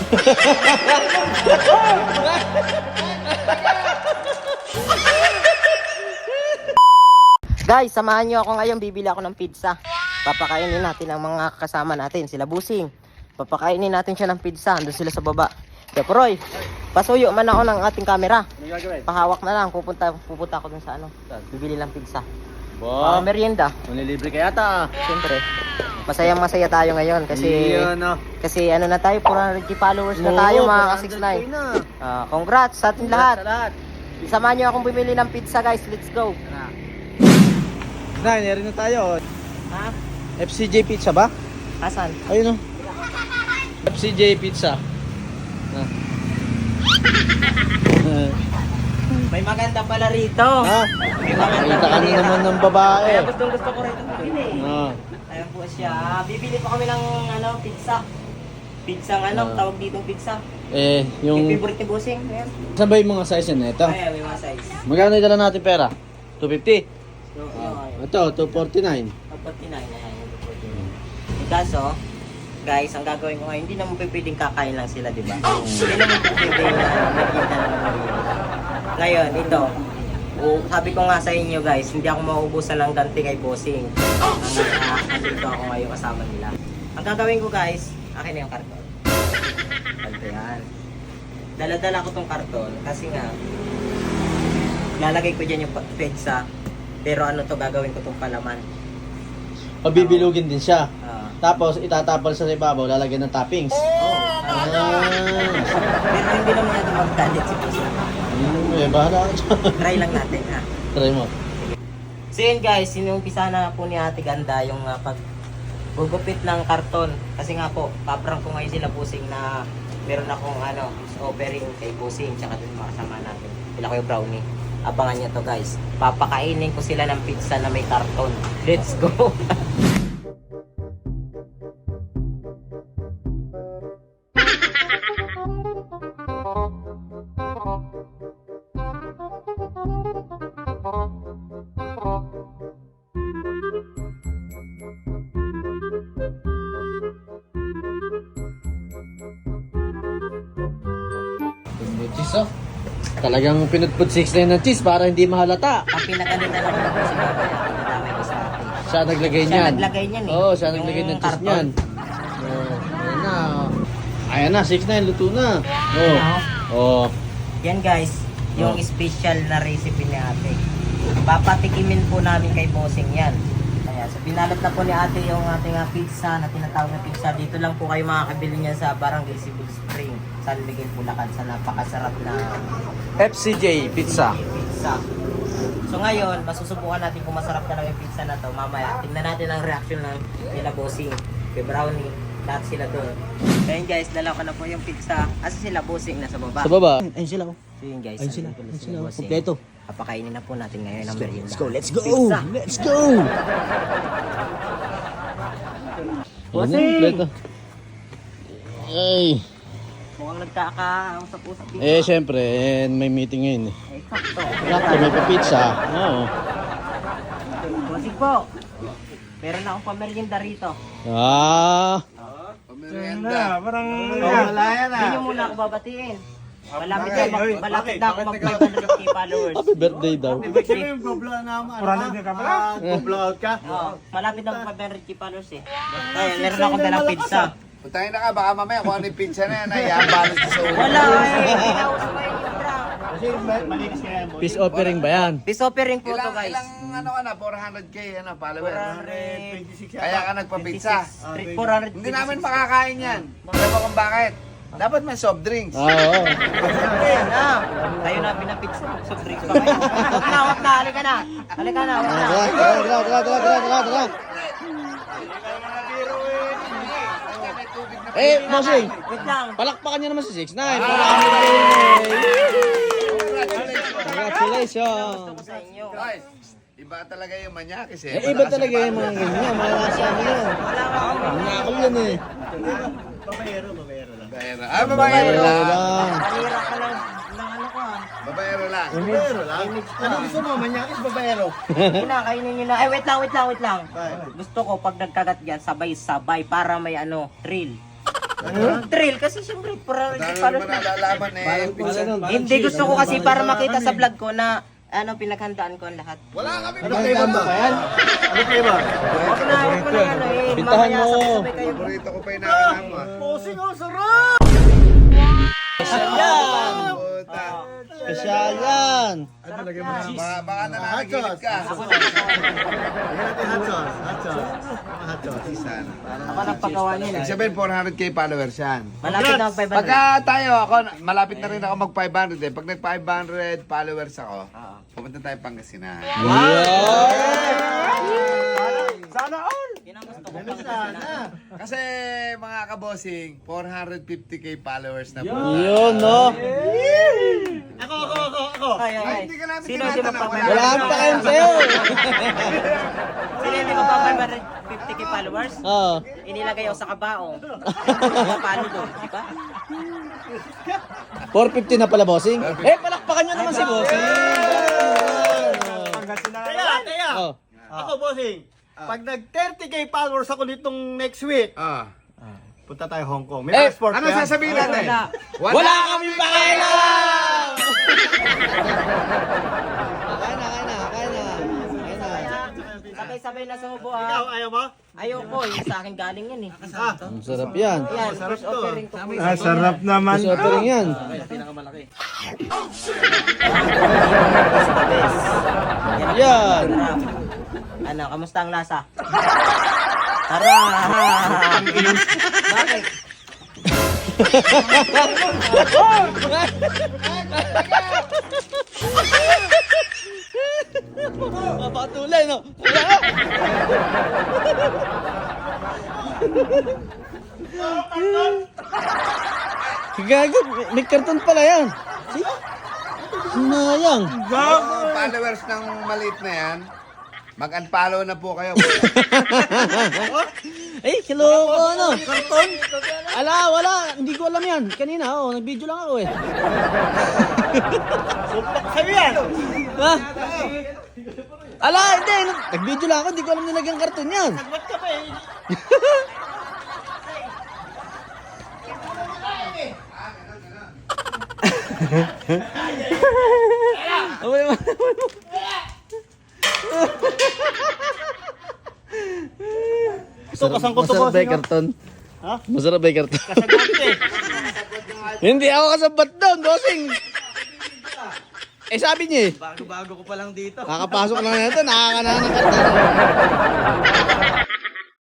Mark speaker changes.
Speaker 1: Guys, samahan nyo ako ngayon. Bibili ako ng pizza. Papakainin natin ang mga kasama natin. Sila Busing. Papakainin natin siya ng pizza. Doon sila sa baba. Kaya Roy, pasuyo man ako ng ating camera. Pahawak na lang. Pupunta ako dun sa ano. Bibili lang pizza.
Speaker 2: Wow.
Speaker 1: Merienda.
Speaker 2: Manilibre kaya ta.
Speaker 1: Siyempre. Masayang-masaya tayo ngayon kasi kasi ano na tayo, 400 followers na tayo mga ka-69. Congrats sa ating lahat. Samahan nyo akong bumili ng pizza guys. Let's go.
Speaker 2: Nari na tayo.
Speaker 1: Ha?
Speaker 2: FCJ Pizza ba?
Speaker 1: Asan?
Speaker 2: Ayun o. FCJ Pizza.
Speaker 1: May maganda pala rito.
Speaker 2: Ha?
Speaker 1: May maganda
Speaker 2: Kita ka na naman ng babae.
Speaker 1: Kaya gusto ko rito bumili.
Speaker 2: Ah.
Speaker 1: Ayan po siya. Bibili pa kami ng ano, pizza. Pizza tawag dito pizza.
Speaker 2: Yung...
Speaker 1: Yung favorite ni Busing. Ayan.
Speaker 2: Saan ba yung mga size yan? Ito?
Speaker 1: Ayan, may mga size.
Speaker 2: Magkano dala natin pera? 250?
Speaker 1: So,
Speaker 2: Ito, 249.
Speaker 1: 49 na yan. Kaso, guys, ang gagawin ko ngayon, hindi naman pwedeng kakain lang sila, di ba? Hindi naman pwedeng magkita na naman. Ngayon, ito. Sabi ko nga sa inyo, guys, hindi ako mauubusan ng ganti kay Bossing. Dito ako ngayon kasama nila. Ang gagawin ko, guys, akin na yung karton. Ganito yan. Dala-dala ko tong karton kasi nga, lalagay ko dyan yung pizza. Pero ano to, gagawin ko tong palaman.
Speaker 2: Pabibilugin din siya.
Speaker 1: Tapos,
Speaker 2: Tapos itatapal sa ibabaw, lalagyan ng toppings.
Speaker 1: pero hindi naman natin magdalit si Pisa.
Speaker 2: Bahala ka dyan.
Speaker 1: Try lang natin ha.
Speaker 2: Try mo.
Speaker 1: So yun guys, sinumpisa na po ni Ate Ganda yung paggugupit ng karton. Kasi nga po, paprang ko ngayon sila Busing na meron akong offering kay Busing tsaka dun mga kasama natin. Sila ko yung brownie. Abangan nyo to guys. Papakainin ko sila ng pizza na may karton. Let's go!
Speaker 2: Cheese oh. Talagang pinutput 6 na ng cheese para hindi mahalata.
Speaker 1: Ang pinakaganda lang ko po si Babay. Pinataway ko sa atin.
Speaker 2: Siya naglagay
Speaker 1: Siya
Speaker 2: niyan.
Speaker 1: naglagay niyan eh.
Speaker 2: Oo, siya
Speaker 1: Yung
Speaker 2: naglagay ng cheese
Speaker 1: karton.
Speaker 2: niyan. Ayan na. Ayan na, 6 na yung luto na. Oh.
Speaker 1: Yan guys, yung special na recipe ni ate. Papatikimin po namin kay Bossing yan. Ayan, so pinalot na po ni ate yung ating pizza na tinatawag na pizza. Dito lang po kayo makakabili niya sa Barangay Cebu Spring, San Miguel, Bulacan, sa napakasarap na
Speaker 2: FCJ Pizza.
Speaker 1: pizza. So ngayon, masusubukan natin kung masarap talaga yung pizza na to. Mamaya, tingnan natin ang reaction ng nila Bossing, kay Brownie, lahat sila doon. Ayun guys, dala ko na po yung pizza. Asa sila Bossing? Nasa baba.
Speaker 2: Sa baba. Ayun sila oh.
Speaker 1: So yun guys,
Speaker 2: Ayun sila.
Speaker 1: andun
Speaker 2: Ayun
Speaker 1: si
Speaker 2: sila.
Speaker 1: Bossing.
Speaker 2: Kompleto.
Speaker 1: Papakainin na po natin ngayon ang merienda.
Speaker 2: Let's go, let's go.
Speaker 1: Pizza.
Speaker 2: Let's go.
Speaker 1: Bossing!
Speaker 2: Kompleto. Ay.
Speaker 1: Mukhang nagkakausap-usap dito.
Speaker 2: Syempre, may meeting ngayon eh.
Speaker 1: Sakto.
Speaker 2: Sakto, may pa-pizza. Oo.
Speaker 1: Bossing po. Meron na akong pamerienda rito.
Speaker 3: Pamerienda. Parang
Speaker 1: wala yan Hindi nyo muna ako babatiin. Malapit na ako mag-500k followers.
Speaker 2: Happy birthday daw.
Speaker 3: Go-blow out ka?
Speaker 1: Malapit na mag-500k followers eh. Kaya meron akong dalang pizza.
Speaker 3: Putahin na ka, baka mamaya kung ano yung pizza na yan, ay balas ko sa ulo.
Speaker 1: Wala eh. Kinausap ko yung prank.
Speaker 2: Peace offering ba yan?
Speaker 1: Peace offering po to guys.
Speaker 3: Ilang ano ka na, 400k followers.
Speaker 1: 426.
Speaker 3: Kaya ka nagpa-pizza.
Speaker 1: 400.
Speaker 3: Hindi namin makakain yan. Alam mo kung bakit? Dapat may soft drinks.
Speaker 2: Oo.
Speaker 1: Ayan na. Tayo na pinapizza. Soft drinks pa kayo. Wag na. Halika na. Halika na. Wag na.
Speaker 2: Tara. Bossing,
Speaker 1: Wait lang.
Speaker 2: palakpakan niyo naman si 6ix9ine. Congratulations.
Speaker 1: Gusto ko sa inyo.
Speaker 3: Guys, iba talaga yung manyakis eh.
Speaker 2: Iba talaga yung mga ganyan. Mga nasa ano yan.
Speaker 1: Wala ka ako.
Speaker 2: Nakakal yan eh.
Speaker 3: Babayero lang.
Speaker 1: Malira ka lang. Ng ano ko
Speaker 3: Babayero lang.
Speaker 1: Ano gusto mo? Manyakis babayero? Kainin nyo na. Eh, wait lang. Gusto ko pag nagkagat yan, sabay-sabay para may thrill. Thrill kasi siyempre para
Speaker 3: Dahil
Speaker 1: para
Speaker 3: naman nalalaman eh.
Speaker 1: hindi gusto ko kasi para makita sa vlog ko na ano pinaghandaan ko ang lahat.
Speaker 3: Wala kami
Speaker 2: Ano flavor ba yan? Ano flavor?
Speaker 1: Huwag na ano eh.
Speaker 2: Pintahan
Speaker 1: Mamaya
Speaker 2: mo.
Speaker 1: sabay-sabay kayo.
Speaker 3: Paborito ko pa yung nakakam mo.
Speaker 2: Posing oh, sarap! Special yan!
Speaker 3: Puta.
Speaker 2: Special yan!
Speaker 3: Baka na nakagilid ka.
Speaker 1: Ako nagpagawa niyan.
Speaker 3: Ibig sabihin 400k followers yan.
Speaker 1: Malapit na ang 500.
Speaker 3: Pagka tayo, ako, malapit na rin ako mag 500 eh. Pag nag 500 followers ako, pupunta tayo Pangasinan.
Speaker 1: Yun ang gusto ko pang
Speaker 3: Kasi mga kabosing, 450k followers na po.
Speaker 2: Yun, no?
Speaker 1: Ay, ay, ay.
Speaker 3: Hindi ka namin
Speaker 1: Sino hindi
Speaker 3: tinatanong,
Speaker 1: magpapay?
Speaker 2: Wala kang pakialam sa'yo!
Speaker 1: Sino hindi magpapay 50k followers?
Speaker 2: Oo.
Speaker 1: Inilagay ako sa kabaong. Paano doon, di ba?
Speaker 2: 450 na pala, bossing. Eh, palakpakan nyo naman si bossing.
Speaker 4: Kaya,
Speaker 2: Oh.
Speaker 4: ako bossing, pag nag 30k followers ako nitong next week,
Speaker 3: Ah.
Speaker 4: punta tayo Hong Kong. May
Speaker 2: Eh,
Speaker 4: passport
Speaker 3: Ano
Speaker 4: ka?
Speaker 3: sasabihin natin?
Speaker 2: Wala kami pakialam! Kain na.
Speaker 1: Sabay-sabay na sa hubo
Speaker 4: Ikaw,
Speaker 1: ah.
Speaker 4: ayaw mo?
Speaker 1: Ayoko, yung sa akin galing yan eh.
Speaker 2: Ang sarap yan.
Speaker 1: Yan, first offering ko po.
Speaker 4: sarap naman.
Speaker 2: Gusto ko rin yan. Yan.
Speaker 1: Ano, kamusta ang lasa? Tara! Bakit?
Speaker 2: Mapatuloy, no? Gago, may karton pala yan. See? Sinayang.
Speaker 3: Mga followers ng maliit na yan, mag-unfollow na po kayo.
Speaker 2: Eh, kiloko, ano? Karton? Wala. Hindi ko alam yan. Kanina, nag-video lang ako eh.
Speaker 4: Sa'yo yan!
Speaker 2: Ha? Hindi. Nag-video lang ako. Hindi ko alam nilagyan karton yan.
Speaker 4: Ba't ka ba eh? Ito, kasang ko to
Speaker 2: Masarap ba
Speaker 4: bossing.
Speaker 2: yung karton?
Speaker 4: Ha?
Speaker 2: Masarap ba yung karton?
Speaker 4: Kasagot eh.
Speaker 2: Hindi ako kasabat doon, bossing. Eh, sabi niya eh.
Speaker 4: Bago-bago ko pa lang dito.
Speaker 2: Kakapasok lang na ito, nakakanahan ng karton.